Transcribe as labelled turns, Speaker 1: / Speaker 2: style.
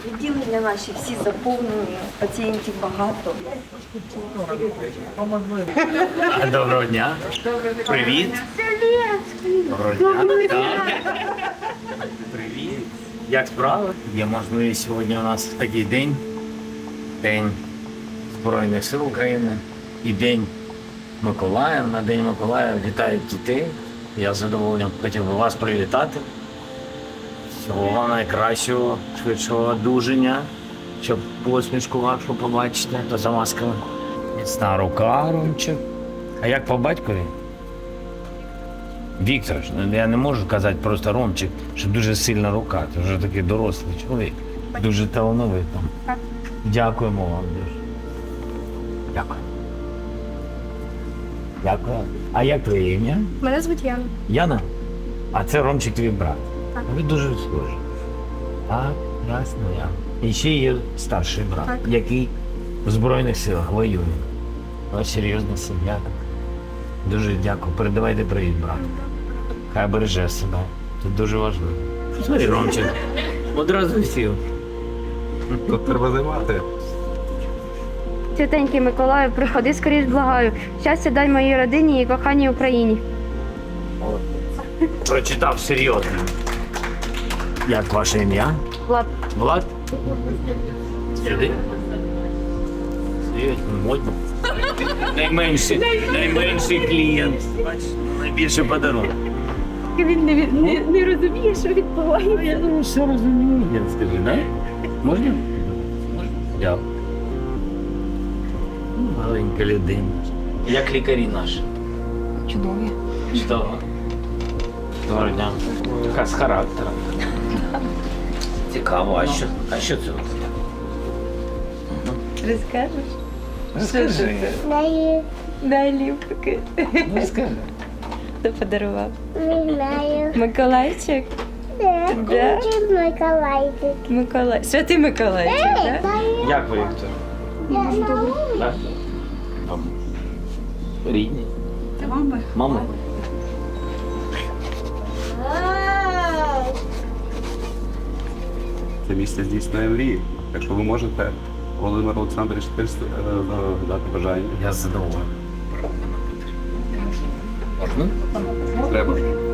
Speaker 1: Відділення наші всі заповнені, пацієнтів багато.
Speaker 2: Доброго дня. Привіт. Доброго дня. Так. Привіт. Як справи? Є можливість сьогодні у нас такий день. День Збройних сил України і День Миколая. На День Миколая вітають дітей. Я з задоволенням хотів би вас привітати. Всього вам найкращого, швидшого одужання, щоб посмішку вашу побачити за масками. Міцна рука, Ромчик. А як по батькові? Віктор, я не можу казати просто Ромчик, що дуже сильна рука. Ти вже такий дорослий чоловік. Дуже талановитий. Дякуємо вам дуже. Дякую. Дякую. А як твоє ім'я?
Speaker 3: Мене звуть Яна.
Speaker 2: Яна? А це Ромчик твій брат. Так. Ви дуже схожі. Так, ясно, Яна. І ще є старший брат,
Speaker 3: так,
Speaker 2: який в Збройних силах воює. Ось серйозна сім'я. Дуже дякую. Передавайте привіт, брат. Хай береже себе. Це дуже важливо. Смотри, Ромчик. Одразу сів.
Speaker 4: Тут треба займати.
Speaker 3: Святенький Миколаю, приходи скоріш, благаю. Щастя дай моїй родині і коханій Україні.
Speaker 2: Прочитав серйозно. Як ваше ім'я?
Speaker 3: Влад.
Speaker 2: Влад? Сюди. Серйозно, модно. Найменший клієнт. Бачиш, найбільший подарунок.
Speaker 3: Він не розуміє, що відбувається.
Speaker 2: Я думаю, все розумію. Скажи, да? Можна? Можна. Дякую. Маленька людина. Як лікарі наші?
Speaker 1: Чудові.
Speaker 2: Чудово. Доброго дня. Яка з характером. Цікаво, а що це?
Speaker 1: Розкажеш?
Speaker 2: Розкажи.
Speaker 1: Дай ліпки.
Speaker 2: Розкажи.
Speaker 1: Хто подарував?
Speaker 5: Не знаю.
Speaker 1: Миколайчик? Да?
Speaker 5: Хочет Миколайчик.
Speaker 1: Миколай. Святий Миколайчик, так?
Speaker 2: Як ви, Віктор? Так. Рідні.
Speaker 1: Це мама.
Speaker 2: Мама.
Speaker 4: Це місце здійснює мрії. Якщо ви можете, Володимир Олександрович, дати бажання.
Speaker 2: Я задоволений. Можна?
Speaker 4: Треба.